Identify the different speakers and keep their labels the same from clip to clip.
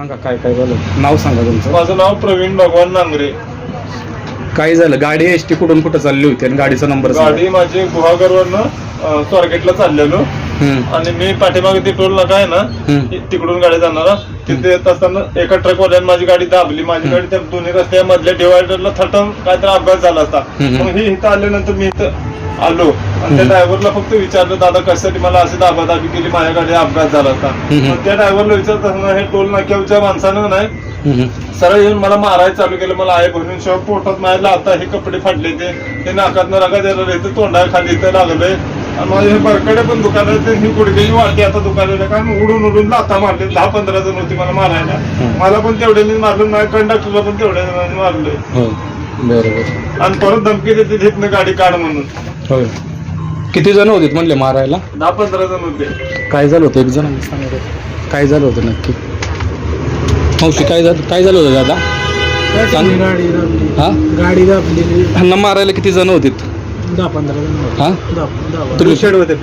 Speaker 1: सांगा काय काय झालं, नाव सांगा तुमचं.
Speaker 2: माझं नाव प्रवीण भगवान नांगरे.
Speaker 1: काय झालं, गाडी एसटी कुठून कुठं चालली होती आणि गाडीचा नंबर
Speaker 2: गाडी माझी गुहागरवरनं स्वारगेटला चाललेलो आणि मी पाठीमागे ते टोल नाका आहे ना तिकडून गाडी जाणारा, तिथे येत असताना एका ट्रकवाल्याने माझी गाडी दाबली. माझी गाडी त्या दोन्ही रस्त्या मधल्या डिवायडरला थटून काहीतरी अपघात झाला असता. मग ही इथं आल्यानंतर मी इथं आलो आणि त्या ड्रायव्हरला फक्त विचारलं, दादा कशासाठी मला अशी दाबादाबी केली, माझ्या गाडी अपघात झाला असता. मग त्या ड्रायव्हरला विचारत असताना हे टोल नाक्याच्या माणसानं नाही सरळ येऊन मला मारायला चालू केलं. मला आहे भरून शिवाय पोटात मारायला, आता हे कपडे फाडले ते नाकातनं रगा द्यायला राहते, तोंडा खाली इथं लागलंय आणि माझे हे बरकडे पण दुकान आहे, ही गुडघ्याची वाटी आता दुकानाला कारण उडून उडून लाथा मारले. 10-15 जण होती मला मारायला, मला पण तेवढ्याने मारलं, माझ्या कंडक्टरला पण तेवढ्या जणांनी मारलंय.
Speaker 1: बरोबर.
Speaker 2: आणि परत धमकी देते तिथनं गाडी काढ म्हणून.
Speaker 1: होय, किती जण होते म्हणले मारायला?
Speaker 2: 10-15 जण होते.
Speaker 1: काय झालं होतं, एक जण काय झालं होतं नक्की? मावशी काय झालं होतं दादा?
Speaker 3: गाडी दाबलेली.
Speaker 1: ह्यांना मारायला किती जण होते?
Speaker 3: 10-15 जण.
Speaker 1: हा,
Speaker 3: ब्लू शर्ट होते.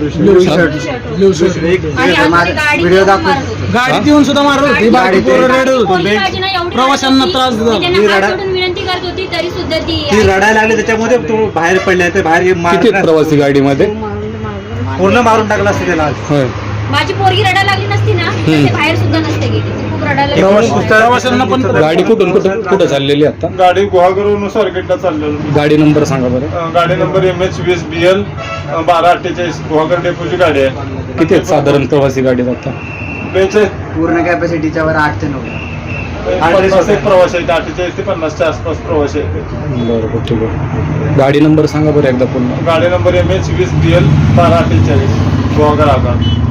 Speaker 3: गाडीत येऊन सुद्धा मारत होती, बाकी पोरं रडत होते, प्रवाशांना त्रास देत होते.
Speaker 4: विनंती करत होती तरी सुद्धा
Speaker 5: ती रडायला लागली, त्याच्यामध्ये तो बाहेर पडला, ते बाहेर
Speaker 1: किती प्रवासी गाडीमध्ये?
Speaker 5: पूर्ण मारून टाकला असते त्याला.
Speaker 1: होय,
Speaker 4: माझी पोरगी रडायला लागली नसती ना तर ते बाहेर सुद्धा नसते गेली. खूप रडायला
Speaker 3: प्रवाशांना पण
Speaker 1: गाडी कुठून कुठं चाललेली आता?
Speaker 2: गाडी गुहागरवरून स्वारगेटला चाललेलो.
Speaker 1: गाडी नंबर सांगा बरं.
Speaker 2: गाडी नंबर MH20BL 1248 गुहागर डेपोची गाडी आहे.
Speaker 1: किती आहेत साधारण प्रवासी गाडीत आता?
Speaker 5: पूर्ण कॅपॅसिटीच्या वर 8 ते 9.
Speaker 2: 50 एक प्रवासी आहेत, 48 ते 50च्या आसपास प्रवासी आहेत.
Speaker 1: बरोबर, ठीक आहे. गाडी नंबर सांगा बरं एकदा पुन्हा.
Speaker 2: गाडी नंबर MH20BL 1248 गुहागर आगार.